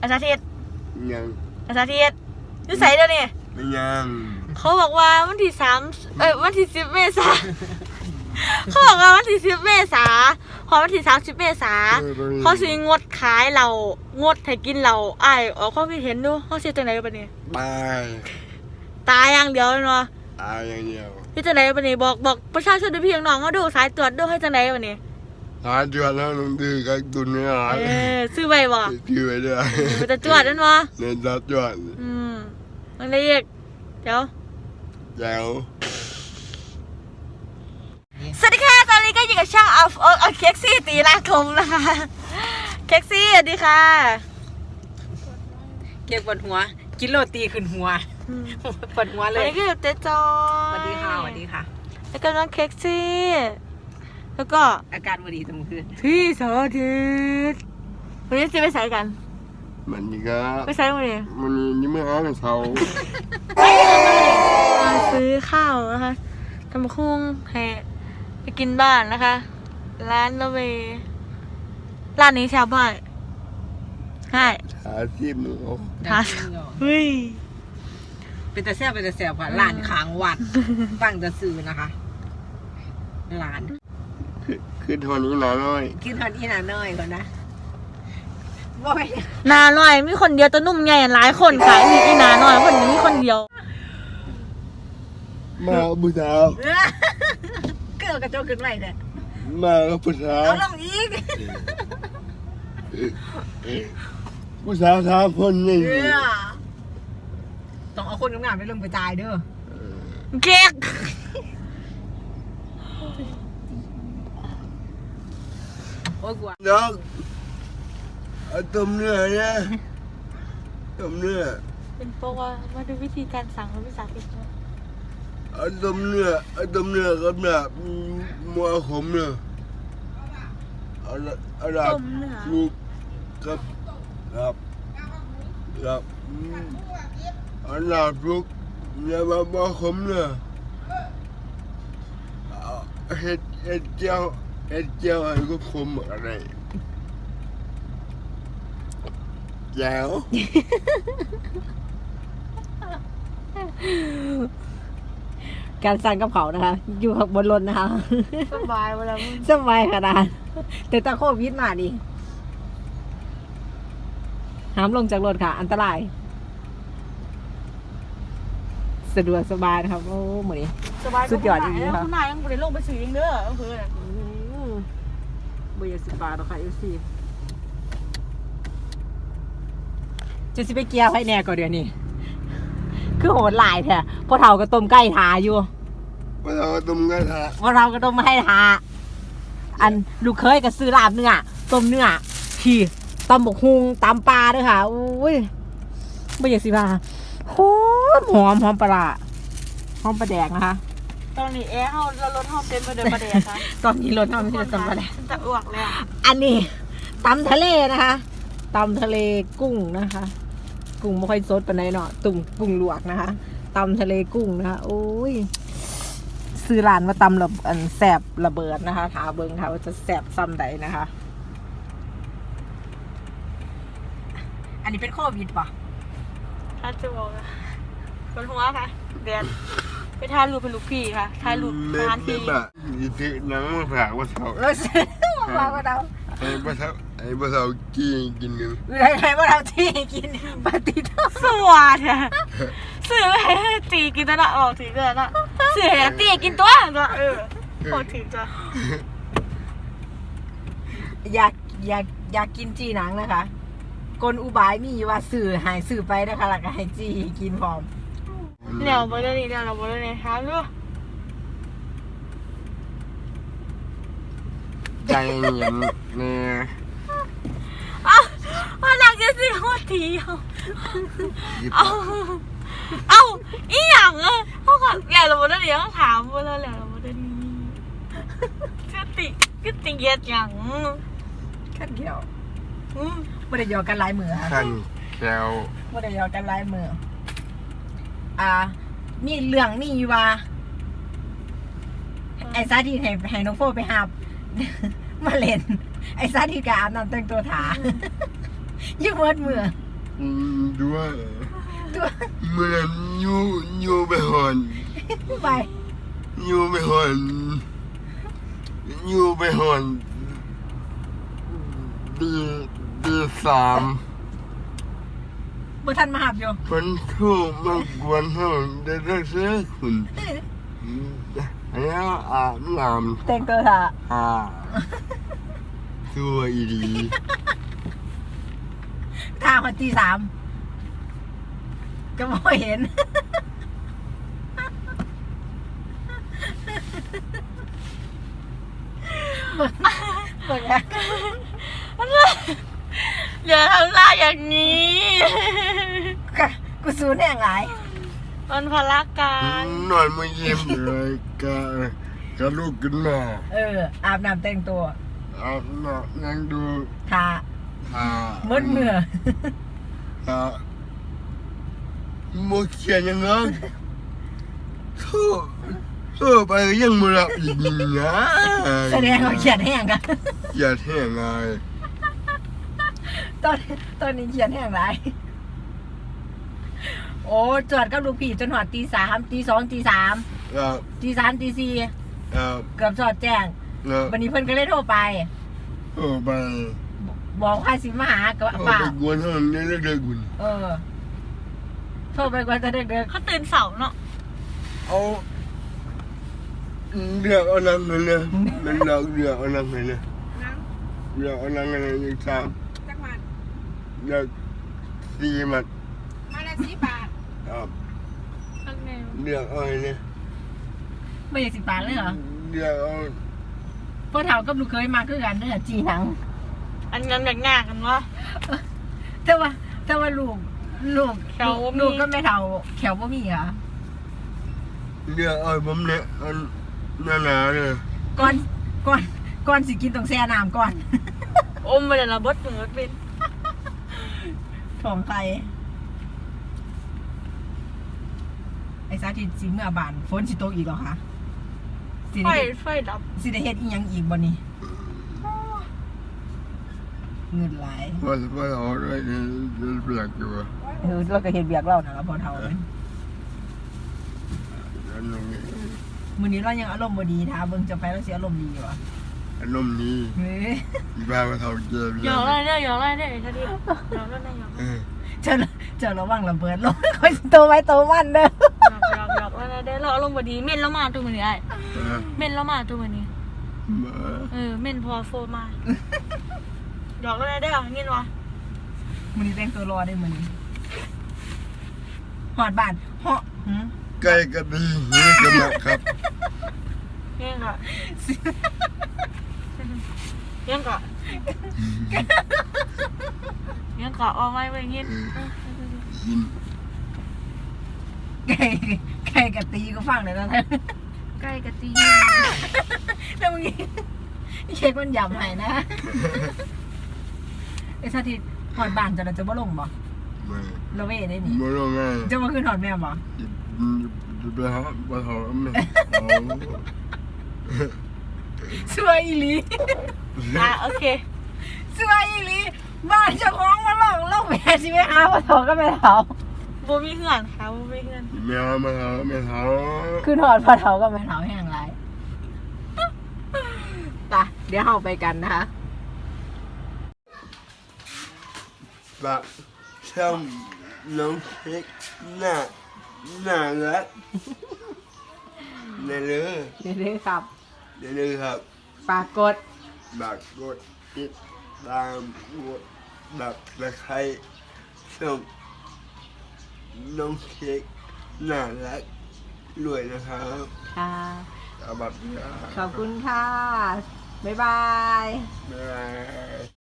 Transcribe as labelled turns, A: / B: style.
A: อาสาธิต
B: ยัง
A: อาสาธิตนิสัยเดี๋ยวนี้
B: ไม่ยัง
A: เขาบอกว่าวันที่วันที่10 เมษาเขาบอกว่าวันที่10 เมษาพอวันที่30 เมษาเขาสิงดขายเรางดให้กินเราอ้ายออกความคิดเห็นดูเขาสิจังได๋บัดนี้ตายอย่างเดียวเนาะ
B: ตายอย่างเดียว
A: พี่จังได๋บัดนี้บอกประชาชนพี่น้องเขาดูสายตรวจดูให้จังได๋บัดนี้
B: สายตรวจแล้วลงดื้อกับตุนเนี่ย
A: ซื้อไว้บ่
B: ซื้อไว้ด้วย
A: มันจะตรวจนั่นบ่
B: เนี่ยจะตรวจ
A: มันได้อีกเดี๋ยวสวัสดีค่ะตอนนี้ก็อยู่กับช่างเอาเค้กซี่ตีลากคมนะคะเค้กซี่สวัสดีค่ะ
C: เก็บบนหัวกินโรตีขึ้นหัวปวดหัวเลย
A: อันนี้ก็เจ๊จอย
C: สวัสดีค่ะสวัสดีค่ะ
A: แล้วก็น้องเค้กซี่แล้วก็
C: อาการวันดีตรงคืน
A: พี่สาธิตวันนี้จะไปใส่กัน
B: มันนี่ก็
A: ไปใส่วันนี้
B: นี่ไม่หาเช้า
A: มาซื้อข้าวนะคะทำคุ้งให้ไปกินบ้านนะคะร้านละเวร้านนี้ชาวบ้านให้
B: หาที่มือ
A: เฮ้ย
C: เป็นแต่แซ่บค่ะร้านค้างวัดตั้งจะซื้อนะคะร้าน
B: ขึ้นทอนนี้หนาน้อย
C: ขึ้นทอนนี้หนาน้อยก่อนนะว่าไป
A: นาหน่อยมีคนเดียวตัวนุ่มใหญ่หลายคนขายมีอีนาหน่อยคนนี้มีคนเดียว
B: มาบุษา
C: เกิดกระโจกขึ้นไหวเนี่ย
B: มาบุษา
C: เอาลงอีก
B: บุษา3 คนนี่
C: ต้องเอาคนงามๆไปลงไปตายเด้อ
A: เก๊ก
C: โอ้ยกลัว
B: น้องต้มเนื้อเนี่ยต้มเนื้อ
A: เป็นเพราะว่ามาดูวิธีการสั่งของพี่สาธิต
B: ต้มเนื้อกับแบบมัวขมเนื้ออะไรลูกครับอันดับลูกเนี่ยมัวขมเนื้อเห็ดเจียวอะไรก็ขมอะไรแจ๋ว
C: การสั่งกับเขานะคะอยู่บนรถนะคะ
A: สบายเวลา
C: สบายขนาดแต่ตะโควิดมาดิห้ามลงจากรถค่ะอันตรายสะดวกสบายนะครับโอ้เหมือนสุดยอดจริงๆค่ะ
A: คุณนายยังไม่ได้ลงไปซื้อเองเด้อเพื่อน
C: เบอร์10 บาทหรอคะFCจะสิไปเกียร์ให้แน่ก่อนเดี๋ยวนี้คือโหดหลายแท้พอเท่าก็ต้มไก่ทาอยู่
B: พอเท่าก็ต้มไก่ทา
C: มาให้ทาอันลูกเคยก็ซื้อลาบเนื้อต้มเนื้อขี่ตำบกฮุงตำปลาด้วยค่ะอุ้ยไม่อยากสิว่าหอมปลาหอมปลาแดกนะคะ
A: ตอนนี้เรารถห้องเต็มไปด้วยปลาแดกค่ะ
C: ตอนนี้รถห้องไม่ได้ตำปลาแดก
A: จะอ้วกเลย
C: อันนี้ตำทะเลนะคะตำทะเลกุ้งนะคะกุ้งไม่ค่อยสดปานใดเนาะตุ่มกุ้งลวกนะคะตำทะเลกุ้งนะคะโอ้ยซื้อร้านมาตำระอันแสบระเบิดนะคะถาเบิงค่ะว่าจะแสบซ้ำใดนะคะอันนี้เป็นโควิดป่ะ
A: ถ้าจะบอกคนหัวค่ะเดือนไปทานรูปเป็นลูกพี่ค่ะทานรูปทานที่
B: หนังมาฝากว่าเท่า
C: ว่าเท่า
B: ไอ้บ้าเท่ากินกัน
C: ไอ้บ้าเท่าที่กินปฏิทิน
A: สวัสดิ์สื่อให้ตีกินตัวน่ะออกถือตัวน่ะสื่อให้ตีกินตัวพอถือตัว
C: อยากกินจีหนังนะคะกลอุบายมีว่าสื่อหายสื่อไปนะคะแล้วก็ให้จีกินพร้อม
A: เดี๋ยวเราบริเวณท้าลูก
B: ใจเย็นเนี่ย
A: ว่าหนักจะสิโคตรทีเอาอีหยังเขาขัดแก่เราบริเวณเขาถามว่าเราบริเวณนี้ก็ติเกียดอย่าง
C: ขั้นเดียวไม่ได้ยอกันลายมือค่ะ
B: ขั้นแก้ว
C: ไม่ได้ยอกันลายมือมีเรื่องนี่ว่าไอ้ซาดีให้น้องโฟไปหามาเล่นไอ้ซาดีกับอาบน้ำแต่งตัวถายิ่งเวิร์ดมือ
B: ด้วย
C: ตัว
B: เมื่อนั้นอยู่ไปหอน
C: ไป
B: อยู่ไปหอนอยู่ไปหอนตีสาม
C: บ่ทันมาหับอยู่
B: คนโทรมากวนเขาได้รักษาคุณแล้วอาบน้
C: แต่งตัวท่า
B: ตัวอีดี
C: ท่าคนตีสามก็บ่เห็น เบิ่งนะ
A: อย่าทำหน้าอย่างนี้
C: กูสูนแห่งหลาย
A: มันพละการ
B: นอนมาเยี่ยมเลยกะลูกขึ้นมา
C: อาบน้ำแต่งตัว
B: อาบน้ำนั่งดู
C: ท่า มืดเมื่อ
B: โมเขียนยังไงโทษไปยังไม่รับอีกนะ
C: แสดงว่าเขียนแห้งกัน
B: อย่าแท่งไง
C: ตอนนี้เขียนแห้งหลาย โอ้จอดกับลูกพี่จนหอดตีสามตีสองตีสาม
B: ครับ
C: ตีสามตีสี่
B: ครับ
C: เกือบจอดแจ้ง
B: ครับ
C: วันนี้เพิ่นก็เลยโทรไป
B: ไป
C: บอกว่าสิมาหากับ
B: ไป
C: ป่าก
B: วนห้องนี้แล้วเด็กคุณ
C: โทรไปกว่าจะเด็ก
A: เขาตื่นเสาร์เนาะ
B: เอาเลือกเอานังเลยนะมันเลือกเอานังเลยนะ
C: นัง
B: เลือกเอานังอะไรอีกสาม
C: จักมัน
B: เลือกสี่มัด
C: มาละ10 บาท
B: ครับ
A: ข้างใน
B: เลือกเอาเนี่ย
C: ไม่ได้10 บาทเลยเหรอ
B: เลือกเอา
C: พ่อเฒ่ากับลูกเคยมาคือกันเด้อจีหนัง
A: อันนั้นแบบงากันวะ
C: แต่ว่าลูก
A: แขวบ่มี
C: ลูกก็ไม่เฒ่าแขวบ่มีเหรอ
B: เลือกเอาผมเนี่ยอันหนาๆเลย
C: ก่อนสิกินต้องแช่น้ำก่อน
A: อมไปเลยละบดเหมือนเป็น
C: ถ่องไข่ไอ้สาธิตสิเมื่อบานฝนสิตกอีกเหรอคะสิ
A: ไฟ
C: ได้
A: ไฟดับ
C: สิได้เฮ็ดอีหยังอีกบ่นี่เงินหลาย
B: ว่าเอาด้วยเนี่ยเปลือกอยู่
C: เราก็เฮ็ดเบียกเรานะครับพอเฒ่าเลย
B: อันนี้
C: มื้อนี้เรายังอารมณ์บ่ดีถ้าเบิ่งจะไปเราสิอารมณ์ดีอยู่อ่ะ
B: อารมณ์นี้
C: เฮ้ย
B: อีบ้ามาเท่าเกม
A: หยอกอะไรเนี่ยหยอกอะไรเนี่ยท่าที่หยอกอะไรเนี่ยหยอก
C: เจ้าระวังระเบิดลงคอยสิโตไว้โตมันเด้อ
A: หยอกอะไรเนี่ยเราอารมณ์บดีเม่นแล้วมาตัวมันนี้ไอ้เม่นแล้วมาตัวมันนี้เม่นพอโฟมาหยอกอะไรได้หรอเงี้ยวะ
C: มื้อนี้แต่งตัวรอได้มื้อนี้ฮอดบ้านเหาะหืม
B: ใกล้กันดีนี่กันนะครับ
A: เงี้ยค่ะเงี้ยก่ะเงี้ยก่ะเอาไว้ไว้เงี้ย
B: ยิน
C: ไก่กะตีก็ฟังเลยนะ
A: ใกล้กะตี
C: แล้วมึงเช็คมันหยำให้นะไอ้สาธิตหอดบ้านจะบ่ลงบ่
B: ไม่
C: ละเว้ได้นี่
B: ไม่ต้องง่าย
C: จะมาขึ้นหอดแม่บ่
B: จะไปหาปลาทองไม่
C: สวยอีหลี
A: โอเค
C: สวยอีหลีบ้านเจ้าของมาลงแม่สิไปหาพ่อทองก็ไม่เฒ่า
A: โบมีเหือนค่ะโบมีเหือน
B: แมวมาหาแม่เท้า
C: ขึ้นหอดพ่อเฒ่าก็ไม่เฒ่าแห้งไรไปเดี๋ยวเฮาไปกันนะคะ
B: ปะช่างน้องเค้กหน้ารักนี่เลย
C: เรื่อยๆครับ
B: นี่เลยครับ
C: ฝากกด
B: บักกดติดตามกดดับตะไคร้ช่องน้องเค้กน่ารักรวยนะครับ
C: ค่ะ
B: เอาบัตร
C: ขอบคุณค่ะ บ๊ายบาย
B: บ๊ายบาย